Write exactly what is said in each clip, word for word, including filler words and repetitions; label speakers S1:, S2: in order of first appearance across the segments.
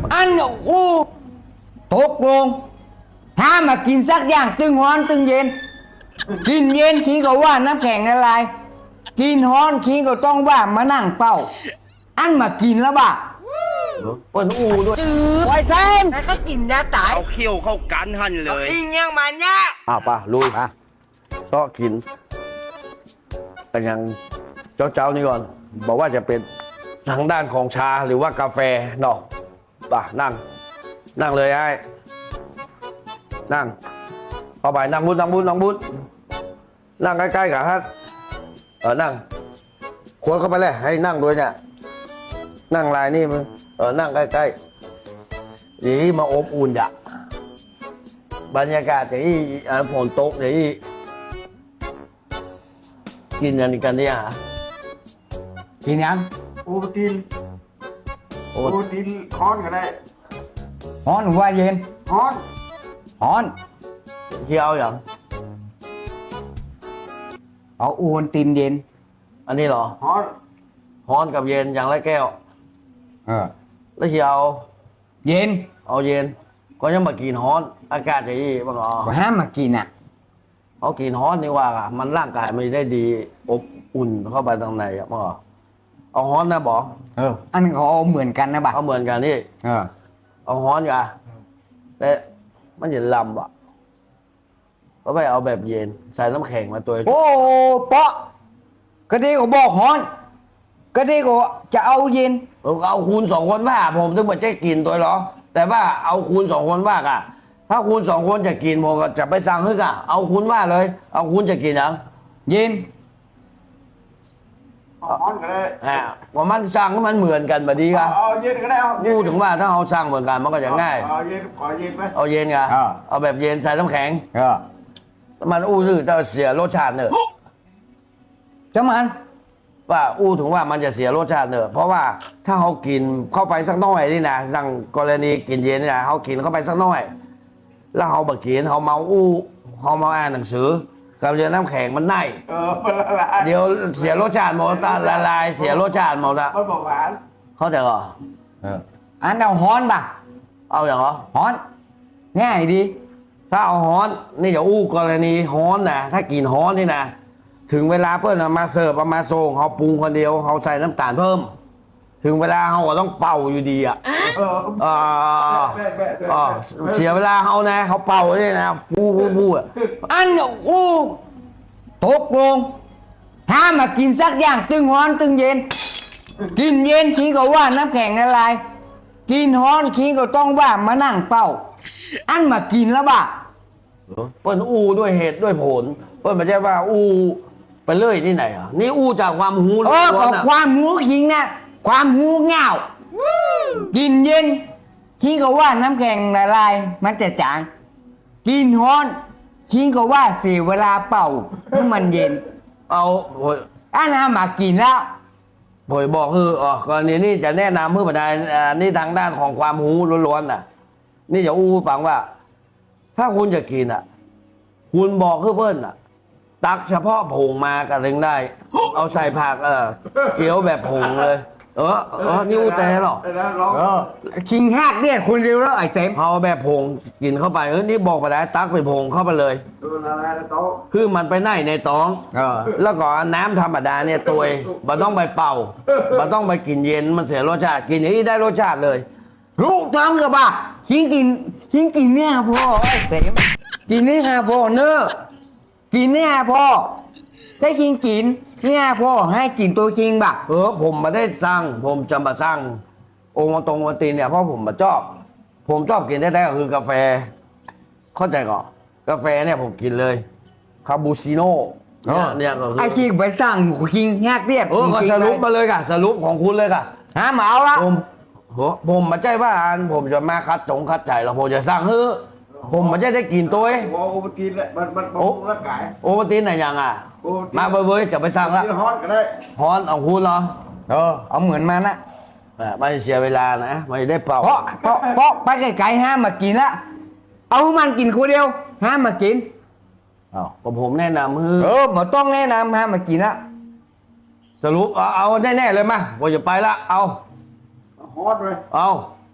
S1: อันอู้ตกลงห้ามมากินสักอย่างตึงฮ้อนตึงเย็นกินเย็นขี้ก็ว่าน้ำแข็งละลายกินฮ้อนขี้ก็ต้องว่ามานั่งเป้าอันมากินแล้วบ่ะ
S2: เปิ้นอูด้วย
S1: จืดไวเซนแล้วก็กินยาตาย
S3: เอาเขี้ยวเข้ากันหันเลย
S1: อิงยังมันเนี่ย
S2: อ้าวป่ะลุยอ่ะซอกินกันยังเจ้าเจ้านี่ก่อน บอกว่าจะเป็นทางด้านของชาหรือว่ากาแฟเนาะป่ะนั่ง นั่งเลยไอ้นั่งเข้าไปนั่งบุญนั่งบุญนั่งบุญนั่งใกล้ๆกับฮัทเออนั่งควรเข้าไปเลยให้นั่งด้วยเนี่ยนั่งลายนี่มึงเออนั่งใกล้ๆดีมาอบอุ่นจ้ะบรรยากาศที่ฝนตกที่กินกันกันเนี่ยฮะ
S1: กินยัง
S4: โอ้ตีนโอ้ตีนฮ้อนก็ได้
S1: ฮ้อนหรือว่าเย็น
S4: ฮ้อน
S1: ฮ้อน
S2: เที่ยวอย่าง
S1: เอาอูนตีนเย็น
S2: อันนี้เหรอ
S4: ฮ้อน
S2: ฮ้อนกับเย็นอย่างไรแก้ว
S1: เออ
S2: แล้วเที่ยว
S1: เย็น
S2: เอาเย็นก็ยังมากินฮ้อนอากาศจะยี่บ้างอ๋อ
S1: ก็ห้ามมากินอ่ะ
S2: เอากินฮ้อนนี่ว่าอ่ะมันร่างกายไม่ได้ดีอบอุ่นเข้าไปตรงไหนอ่ะบ้างอ๋อเอาฮ้อนนะบอก
S1: เอออันนี้เขาเอาเหมือนกันนะบ่ะ
S2: เอาเหมือนกันนี่
S1: เออ
S2: เอาฮ้อนกันแต่มันจะลำอ่ะก็ไปเอาแบบเย็นใส่น้ำแข็งมาตัว
S1: โอ้เปาะก็ดีก็บอกฮ้อนก็ดีก็จะเอาเย็น
S2: เอาคูณสองคนว่าผมถึงมาจะกินตัวหรอแต่ว่าเอาคูณสองคนว่าอ่ะถ้าคูณสองคนจะกินผมก็จะไปสั่งฮึกอ่ะเอาคูณว่าเลยเอาคูณจะกินยัง
S1: เย็น
S4: ฮ้อนก็ได้
S2: อ่าว่ามันสั่งก็มันเหมือนกันแบบนี้ครับ
S4: เอาเย็นก็ได้เอา
S2: พูดถึงว่าถ้าเอาสั่งเหมือนกันมันก็จะง่าย
S4: เอาเย็นขอเย็นไหม
S2: เอาเย็นไงเอาแบบเย็นใส่น้ำแข็ง
S1: เออ
S2: มันอู้ซื่อจะเสียรสชาติเนอะ
S1: จะมัน
S2: ว่าอู้ถึงว่ามันจะเสียรสชาติเนอะเพราะว่าถ้าเขากินเข้าไปสักน้อยนี่นะดังกรณีกินเย็นนี่นะเขากินเข้าไปสักน้อยแล้วเขาบะกินเขาเมาอู้เขาเมาอ่านหนังสือกับเย็นน้ำแข็งมันไน่
S4: เออมันละลาย
S2: เดี๋ยวเสียรสชาติหมดละลายเสียรสชาติหมดละ
S4: มันบอกหวาน
S2: เขาใจก่อ
S1: เอออันเอาฮ้อนป่ะ
S2: เอาอย่างเหรอ
S1: ฮ้อนง่ายดี
S2: ถ้าเอาฮ้อนนี่อย่าอู้กรณีฮ้อนนะถ้ากินฮ้อนนี่นะถึงเวลาเพื่อนมาเสิร์ฟมาส่งเขาปรุงคนเดียวเขาใส่น้ำตาลเพิ่มถึงเวลาเขาก็ต้องเป่าอยู่ดีอ่ะ
S4: เออ
S2: เออเสียเวลาเขานะเขาเป่าเนี่ยนะปูปูปูอ่ะ
S1: อันอู้ตกลงห้ามมากินสักอย่างตึงฮ้อนตึงเย็นกินเย็นขี้ก็ว่าน้ำแข็งละลายกินฮ้อนขี้ก็ต้องว่ามานั่งเป้าอันมากินแล้วบ่ะ
S2: เปิ้นอู้ด้วยเหตุด้วยผลเปิ้นไม่ใช่ว่าอู้ไปเรื่อยที่ไหนอ่ะนี่อู้จากความหู
S1: ล้วนๆความหูขิงนะความหูเงากินเย็นขี้ก็ว่าน้ำแข็งละลายมันจะจางกินฮ้อนขี้ก็ว่าเสียเวลาเป่าให้มันเย็น
S2: เอา
S1: อันนั้นมากินแล้ว
S2: ผมบอกคืออ๋อกรณีนี้จะแนะนำเพื่อประดานนี่ทางด้านของความหูล้วนๆน่ะนี่จะอู้ฟังว่าถ้าคุณจะกินอ่ะคุณบอกคือเพิ่นอ่ะตักเฉพาะผงมากันถึงได้เอาใส่ผักเออเคี้ยวแบบผงเลยเออเออนี่อู้แต่หรอ
S1: เออคิงฮักเนี่ยคุณเร็วแล้วไอ้เซฟ
S2: เอาแบบผงกินเข้าไปเออนี่บอกไปได้ตักไปผงเข้าไปเลยคือมันไปไหนในท้องแล้วก็น้ำธรรมดาเนี่ยตัวมันต้องไปเป่ามันต้องไปกินเย็นมันเสียรสชาติกินอย่างนี้ได้รสชาติเลย
S1: ลูกท้องกับบ่าหิงกินหิงกินเนี่ยพ่อไอ้เสมกินเนี่ยพ่อเนอะกินเนี่ยพ่อได้กินกินเนี่ยพ่อให้กินตัวจริงบ่ะ
S2: เออผมมาได้สร้างผมจะมาสร้างองค์ตรงวันตีเนี่ยเพราะผมมาชอบผมชอบกินได้ๆก็คือกาแฟเข้าใจก่อนกาแฟเนี่ยผมกินเลยคาปูชิโน่เนี่ยก็คือ
S1: ไอ้คิงไปสร้างคิงแยกเรียบ
S2: เออก็สรุปมาเลยค่ะสรุปของคุณเลยค่ะ
S1: ฮะมาเอาละ
S2: ผมผมมาใจว่าอันผมจะมาคัดจงคัดใจแล้วผมจะสร้างเฮ้อผมมันจะได้กินตัวเอง
S4: โอ้โอตีนแหละมันมันบำรุงร่างกาย
S2: โอตีนไหนยังอ่ะมาเว้ยจะไปสร้างละ
S4: ฮ้อนก็ได้
S2: ฮ้อนเอาคุณเหรอ
S1: เออเอาเหมือนมันนะ
S2: ไม่เสียเวลานะไม่ได้เป่า
S1: เพราะเพราะเพราะไปไกลๆห้ามมากินละเอามันกินคนเดียวห้ามมากิน
S2: อ้าวก็ผมแนะนำคือ
S1: เออมาต้องแนะนำห้ามมากินละ
S2: สรุปเอาเอาแน่ๆเลยมาผมจะไปละเอา
S4: ฮ้อนเลย
S2: เอา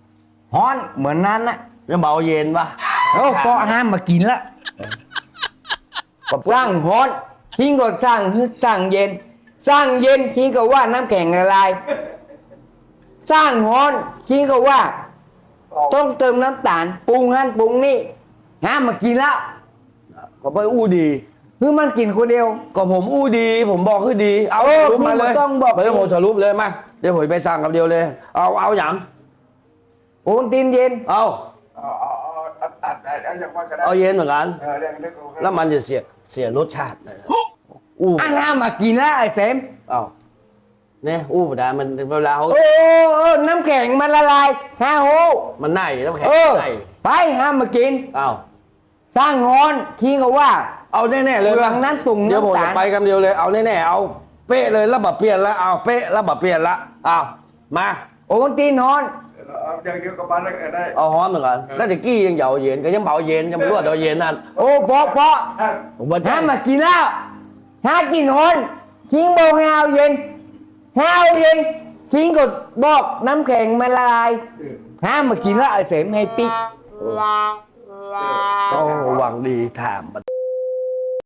S1: ฮ้อนเหมือนนั้นนะ
S2: ยังเบาเย็นปะ
S1: โอ้ก็ห้ามมากินละ
S2: ก็
S1: สร้างฮ้อนทิ้งก็สร้างฮึสร้างเย็น สร้างเย็นทิ้งก็ว่าน้ำแข็งละลาย สร้างฮ้อนทิ้งก็ว่า ต้องเติมน้ำตาลปรุงนั่นปรุงนี่ห้ามมากินแล้ว
S2: ก็ไปอู้ดี
S1: คือมันกินคนเดียว
S2: ก็ผมอู้ดี ผมบอกคือดี เอา
S1: เออ
S2: สรุปมาเลย
S1: พี่ต้องบอก
S2: ไปเลยผมสรุปเลยมาเดี๋ยวผมไปสั่งกับเดียวเลย เอาเอาอย่าง
S1: โอนตินเย็น
S2: เอา
S4: เอาเอาเอาอัดอัดอัดอย่างว่าก็ได้
S2: เอาเย็นเหมือนกัน
S4: เออเรื่องเรื่องโอเค
S2: แล้วมันจะเสียเสียรสชาติเลยอู้
S1: อันห้ามมากินแล้วไอ้เสม
S2: เอาเนี่ยอู้ไม่ได้มันเวลาเขา
S1: โอ้โอ้น้ำแข็งมันละลายฮาโฮ
S2: มันไหนแล้วแข็ง
S1: เออ
S2: ไหน
S1: ไปห้ามมากิน
S2: เอา
S1: สร้างงอนทิ้งก็ว่า
S2: เอาแน่ๆเลย
S1: หลังนั้นตุ่ม
S2: เดี๋ยวผม
S1: น้ำตาล
S2: จะไปกันเดียวเลย เอาแน่ๆเอาเป๊ะเลยแล้วแบบเปลี่ยนแล้วเอาเป๊ะแล้วแบบเปลี่ยนละเอามา
S1: โอนตีนนอน
S4: เอาอย่างเดียวกับบ้านได้ก็ได้
S2: เอาฮ้อนเหมือนกันแล้วตะกี้ยังเหยาเย็นก็ยังเบาเย็นยังไม่รู้ว่าเบาเย็นนั่น
S1: โอ้เพราะเพราะ
S2: ผมว่า
S1: ห้ามมากินแล้วห้ากินนอนทิ้งโบกห้าวเย็นห้าวเย็นทิ้งก็บอกน้ำแข็งมันละลายห้ามมากินแล้วไอ้เสมให้ปิ๊ก
S2: โอ้หวังดีถามมัน